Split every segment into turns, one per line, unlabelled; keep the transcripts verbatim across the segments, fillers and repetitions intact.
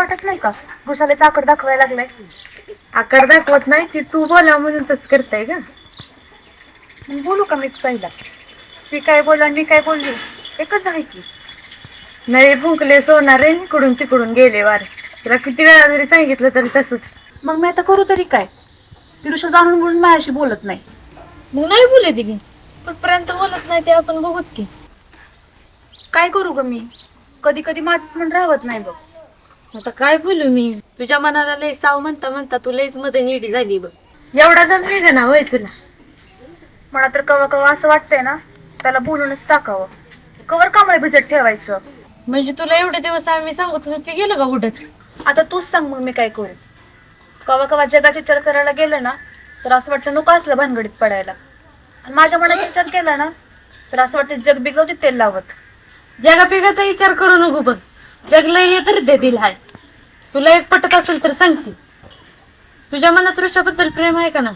वाटत नाही का घुसाले आकड दाखवायला लागलाय?
आकार दाखवत नाही ती तू बोला म्हणून तसं करताय का?
मग बोलू का मीच पहिला? ती काय बोला मी काय बोलली एकच आहे की.
नाही फुंकले सोनार रे इकडून तिकडून गेले वार. तुला किती वेळा जरी सांगितलं तरी तसंच.
मग मी आता करू तरी काय? तिरुषा जाणून म्हणून माझ्याशी बोलत नाही.
मग नाही बोलत की कुठपर्यंत बोलत नाही ते आपण बघूच की.
काय करू ग मी? कधी कधी माझंच मन राहत नाही बघ.
आता काय बोलू मी? तुझ्या मनाला लय साव म्हणता म्हणता तू लयच मध्ये निडी झाली बघ. एवढा दम निघे ना होय तुला?
मला तर कवा कवा असं वाटतंय ना त्याला बोलूनच टाकावं. कवर कामाला भिजत ठेवायचं.
म्हणजे तुला एवढे दिवस आम्ही सांगत होतो ते गेलं का उडत?
आता तूच सांग मग मी काय करू? कवा कवा जगाचा विचार करायला गेलं ना तर असं वाटतं नको असलं भानगडीत पडायला. आणि माझ्या मनाचा विचार केला ना तर असं वाटतं जग बिगवते तेल लावत.
जगा पिगाचा विचार करू नको बघ. जगला हे तर दे दिल हाय. तुला एक पटत असेल तर सांगते. तुझ्या मनात ऋषाबद्दल प्रेम आहे का ना?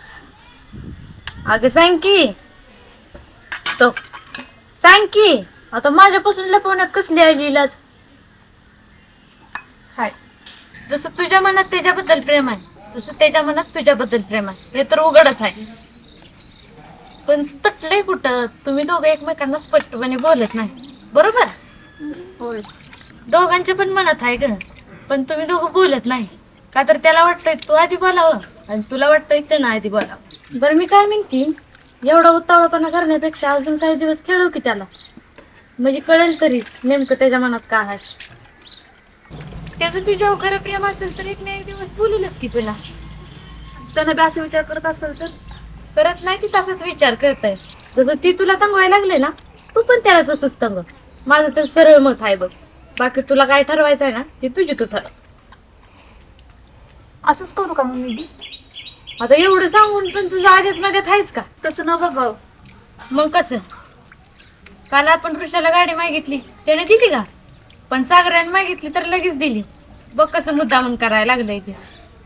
अगं सांग की. तो सांग की. आता माझ्यापासून लपवण्यात कसली आहे इलाज?
हाय
जसं तुझ्या मनात त्याच्याबद्दल प्रेम आहे तसं त्याच्या मनात तुझ्याबद्दल प्रेम आहे. हे तर उघडच आहे. पण तटलंय कुठं? तुम्ही दोघं एकमेकांना स्पष्टपणे बोलत नाही बरोबर?
होय.
दोघांच्या पण मनात आहे ग. पण तुम्ही दोघं बोलत नाही का तर त्याला वाटतंय तू आधी बोलावं आणि तुला वाटतंय त्यानं आधी बोलावं. बरं मी काय म्हणते एवढा उत्तावळपणा करण्यापेक्षा अजून काही दिवस खेळू की त्याला. म्हणजे कळेल तरी नेमकं त्याच्या मनात काय आहे. त्याचं तुझ्यावर खरं प्रेम असेल तर एक ना एक दिवस बोलेलच की तुला.
त्यानं बी असा विचार करत असेल तर
करत नाही ती तसाच विचार करताय. जसं ती तुला तंगवायला लागले ना तू पण त्याला तसंच तंग. माझं तर सरळ मत आहे बघ. बाकी तुला काय ठरवायचं आहे ना ते तुझी तू ठरव.
असंच करू का मग मी?
आता एवढं सांगून पण तुझ्या आधीत मागत आहेच का?
तसं न बाबा.
मग कसं? काल आपण ऋषाला गाडी मागितली त्याने दिली का? पण सागराने मागितली तर लगेच दिली. बघ कसं मुद्दामून करायला लागलंय ते.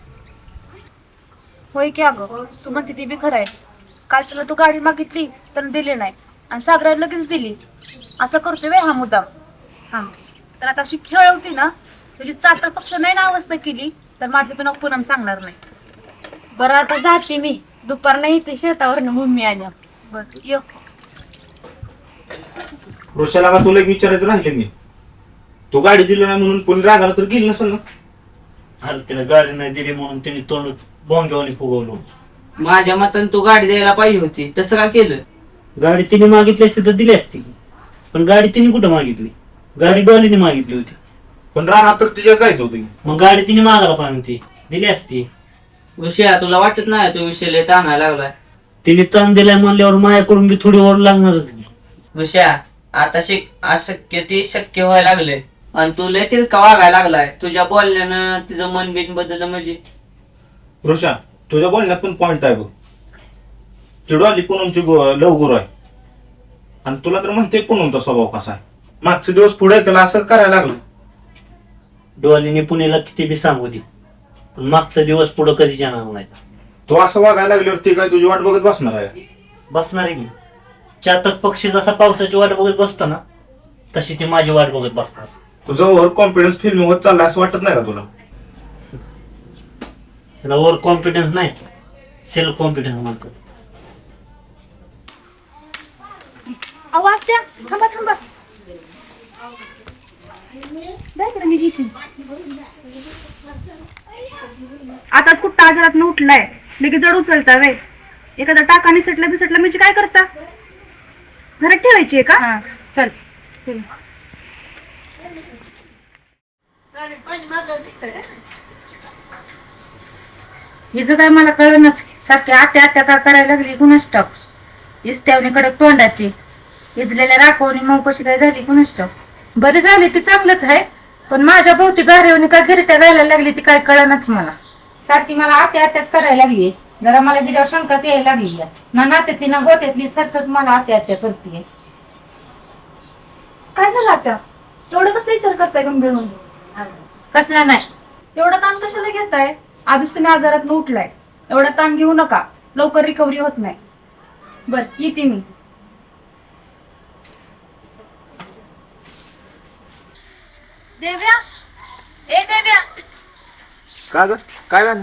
होय की अगं तू म्हणते ती बी खरं आहे. काल तुला तू गाडी मागितली तर दिली नाही आणि सागराला लगेच दिली. असं करतोय व्हय हा मुद्दाम. हा तर आता अशी खेळ होती ना तुझी चातर पक्ष नाही ना अवस्था केली तर माझं पण पूनम सांगणार नाही.
बरं आता जाते मी. दुपार नाही ते शेतावरनं मम्मी आल्या.
बरं ये.
ऋषाला का तुला एक विचारायचं राहिलं मी. तू गाडी दिली नाही म्हणून कोणी रागाला तर गेली नसेल ना?
अरे तिला गाडी नाही दिली म्हणून तिने तोंड बोंग्यावानी फुगवलं.
माझ्या मतान तू गाडी द्यायला पाहिजे होती. तसं का केलं?
गाडी तिने मागितली असती तर दिली असती. पण गाडी तिने कुठं मागितली? गाडी डॉलीने मागितली होती.
पण रानात तर तिच्या जायचं होतं की.
मग गाडी तिने मागायला पाहिजे होती. दिली असती.
विषया तुला वाटत नाही तो विषय लय ताणायला लागलाय?
तिने तण दिलाय म्हणल्यावर माझ्याकडून बी थोडी ओढ लागणारच की.
विषया आता शिक अशक्य ते शक्य व्हायला लागले आणि तू लय तिरका वागायला लागलाय. तुझ्या बोलण्यानं तिचं मन बिन बदललं म्हणजे.
ऋषा तुझ्या बोलण्यात पण पॉइंट आहे बघ. चिडू आली पूनमची लव गुरु आहे आणि तुला तर म्हणते पूनमचा स्वभाव कसा आहे. मागचे दिवस पुढे त्याला असं करायला लागलं.
डॉलीने पुण्याला किती बी सांगू दे पण मागचा दिवस पुढं कधीच येणार नाही.
तो असं वागायला लागल्यावर ती काय तुझी वाट बघत बसणार आहे?
बसणार आहे की. चातक पक्षी जसा पावसाची वाट बघत बसतो ना तशी ती माझी वाट बघत बसणार.
तुझा ओव्हर कॉन्फिडन्स फिल्म होत चालला असं वाटत नाही का तुला?
त्याला ओव्हर कॉन्फिडन्स नाही सेल्फ कॉन्फिडन्स म्हणतात.
अहो आत्या थांबा थांबा. मी घेते. आताच कुठं आजारात न उठलाय लगेच जड उचलता वे. एखादा टाका निसटला बिसटला म्हणजे काय करता? घरात ठेवायची आहे का? चल चल.
हिचं काय मला कळेनाच. सारखी आत्या आत्या का करायला लागली कुणास ठाऊक. इस्त्यावणी कडक तोंडाची इजलेल्या राखवणी मग कशी काय झाली कुणास ठाऊक. बरी झाली ती चांगलंच आहे पण माझ्या भोवती गारेवणी काय गिरट्या गायला लागली ती काय कळेनाच मला. सारखी मला आत्या आत्याच करायला लागली. जरा मला तिच्यावर शंकाच यायला लागली ना नात्यातली ना गोत्यातली सतत मला आत्या आत्या करते.
काय झालं आता? एवढं कसं विचार करताय गंभीर म्हणून?
कसला नाही.
एवढा ताण कशाला घेताय? आधीच तुम्ही आजारात न उठलाय. एवढा ताण घेऊ नका. लवकर रिकव्हरी होत नाही. बर येते मी. देव्या ए देव्या,
का ग काय झालं?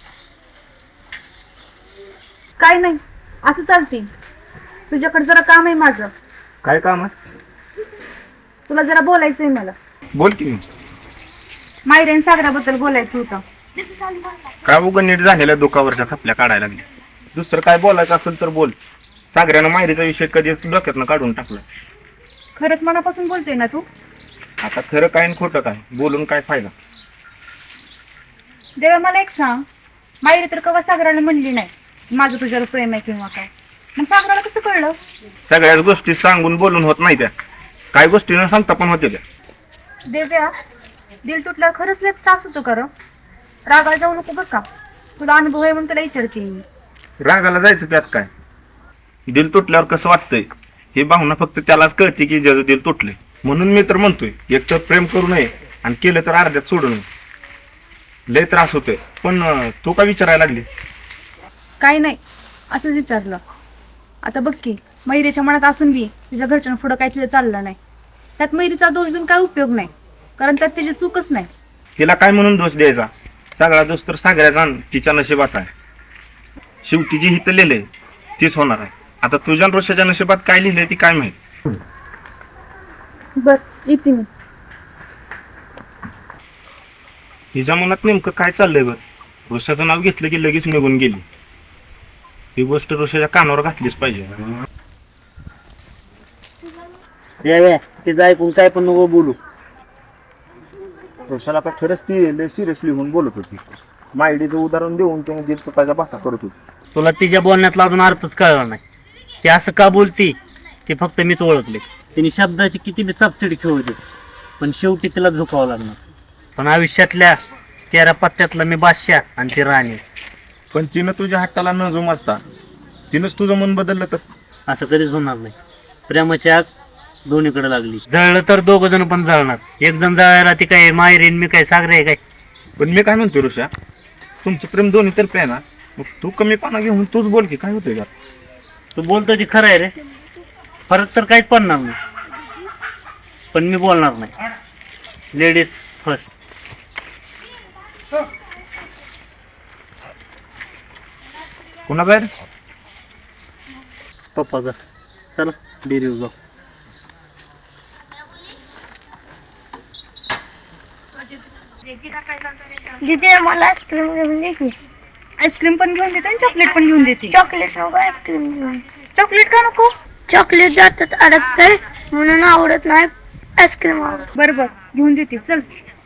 काय नाही, असं चालते. तुझ्याकडे जरा काम आहे माझं,
काय काम आहे?
तुला जरा बोलायचंय मला.
बोल की.
मायरेन सागराबद्दल बोलायचं होतं.
काय उगं नीट झालेल्या दुखावरच्या खपल्या काढायला लागली. दुसरं काय बोलायचं असेल तर बोल. सागऱ्यानं मायरीचा विषय कधीच डोक्यातनं काढून टाकला.
खरंच मनापासून बोलतोय ना तू?
आता खरं काय आणि खोटं काय बोलून काय फायदा?
देवा मला एक सांग, मायरी तर कवा सागराला म्हणली नाही माझं तुझ्यावर प्रेम आहे किंवा काय, मग सागराला कसं कळलं?
सगळ्याच गोष्टी सांगून बोलून होत नाही त्या, काय गोष्टी न सांगता पण होते त्या.
देव्या, दिल तुटल्यावर खरंच लय त्रास होतो का? रागाला जाऊ नको बरं का, तुला अनुभव आहे म्हणून तुला विचारते मी.
रागाला जायचं त्यात काय? दिल तुटल्यावर कसं वाटतंय हे भावना फक्त त्यालाच कळते की ज्याचं दिल तुटले. म्हणून मी तर म्हणतोय एकतर प्रेम करू नये आणि केलं तर अर्ध्यात सोडू नये. लय त्रास होतोय. पण अं, तू का विचारायला लागली?
काही नाही, असंच विचारलं. आता बघ की, मैरीच्या मनात असून बी तुझ्या घरच्या पुढं काही तिला चाललं नाही. त्यात मैरीचा दोष देऊन काय उपयोग नाही, कारण त्यात तिची चूकच नाही.
तिला काय म्हणून दोष द्यायचा? सगळा दोष तर सागऱ्याचा आणि तिच्या नशिबात आहे. शेवटी जी हिथं लिहिलंय तीच होणार आहे. आता तुझ्या आणि रोषाच्या नशिबात काय लिहिलंय ती काय माहित.
बर, येते मी.
हिच्या मनात नेमकं काय चाललंय बघ. रोषाचं नाव घेतलं की लगेच निघून गेली. ही गोष्ट रोषाच्या कानावर घातलीच पाहिजे.
देव्या, तिचं ऐकून काय पण नको बोलू.
रोषाला आता खरंच ती लय सिरियसली होऊन बोलत होती. मायडीचं उदाहरण देऊन त्याने दिल तुटायचा भाता करत होती.
तुला तिच्या बोलण्यातला अजून अर्थच कळला नाही. ती असं का बोलती ते फक्त मीच ओळखले. तिने शब्दाची किती बी सबसिडी खेळवली, पण शेवटी तिला झुकावं लागणार. पण आयुष्यातल्या तेरा पत्त्यातला मी बादशाह आणि ती राणी.
पण तिनं तुझ्या हट्टाला न जुमाजता तिनंच तुझं मन बदललं तर?
असं कधीच होणार नाही. प्रेमाची आग दोन्हीकडे लागली. जळलं तर दोघ जण पण जळणार. एक जण जळायला ती काय मायरीन मी काय सागरे आहे काय?
पण मी काय म्हणतो ऋषा, तुमचं प्रेम दोन्ही तर्फे आहे ना, मग तू कमी पाना घेऊन तूच बोल की काय होतंय का?
तू बोलतो ती खरं आहे रे, फरक तर काहीच पडणार नाही. पण मी बोलणार नाही. Ladies first.
पुन्हा बाहेर
पप्पाचा चला डेअरी जाऊ.
दीदी मला आईस्क्रीम घेऊन दे की.
आईस्क्रीम पण घेऊन देते आणि चॉकलेट पण घेऊन देते.
चॉकलेट नको, आईस्क्रीम घेऊन.
चॉकलेट का नको?
चॉकलेट जातात अडकतंय म्हणून आवडत नाही, आईस्क्रीम आवडत.
बरं बरं, घेऊन देते, चल.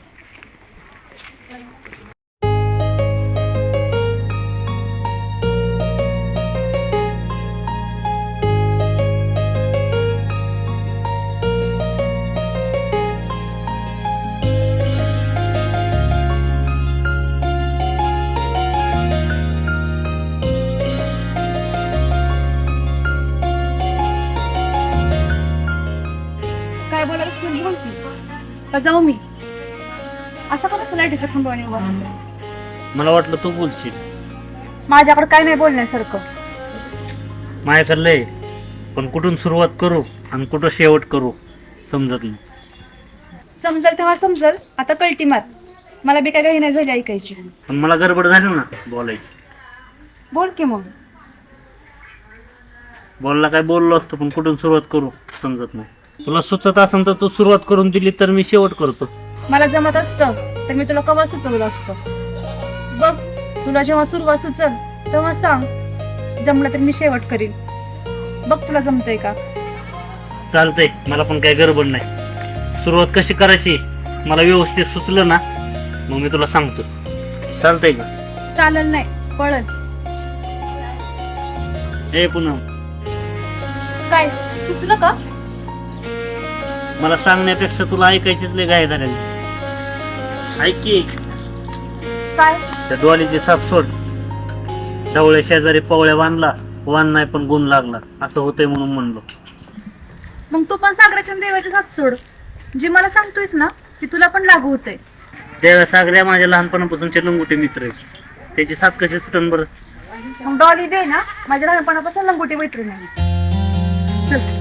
काय बोलायचं तू बोल की. का जाऊ मी? असं का बसं लाईटीच्या खांबाने उभा राहिला?
मला वाटलं तू बोलशील.
माझ्याकडे काय नाही बोलण्यासारखं.
माझ्याकडे लय, पण कुठून सुरुवात करू आणि कुठं शेवट करू समजत नाही.
समजल तेव्हा समजल, आता कल्टी मार. मला बी काय काही नाही झाली ऐकायची.
पण मला गडबड झाली ना बोलायची.
बोल की मग.
बोलला काय बोललो असतो, पण कुठून सुरुवात करू समजत नाही. तुला सुचत असेल तर तू सुरुवात करून दिली तर मी शेवट करतो.
मला जमत असतं तर मी तुला कवा सुचवलं असतं. बघ, तुला जेव्हा सुरुवात सुचल तेव्हा सांग, जमलं तर मी शेवट करीन. बघ तुला जमतंय का?
चालतंय, मला पण काही गडबड नाही. सुरुवात कशी करायची मला व्यवस्थित सुचलं ना, मग मी तुला सांगतो. चालतंय का?
चालल नाही, पळल.
ए पुन्हा
काय सुचलं का?
मला सांगण्यापेक्षा तुला ऐकायचीच लय गाय झालेली. ऐक की,
काय?
त्या डोलीची साप सोड. ढवळे शेजारी पवळ्या बांधला, वान नाही पण गुण लागला. असं होतंय म्हणून म्हणलो.
मग तू पण सागराच्या देवाची साथ सोड. जे मला सांगतोयस ना ती तुला पण लागू होतंय.
त्या सागऱ्या माझ्या लहानपणापासूनचे लंगोटे मित्र आहेत. त्याची साथ कशी सुटन बरं?
मग डॉली बे ना माझ्या लहानपणापासून लंगोटी मैत्रीण आहे. चल.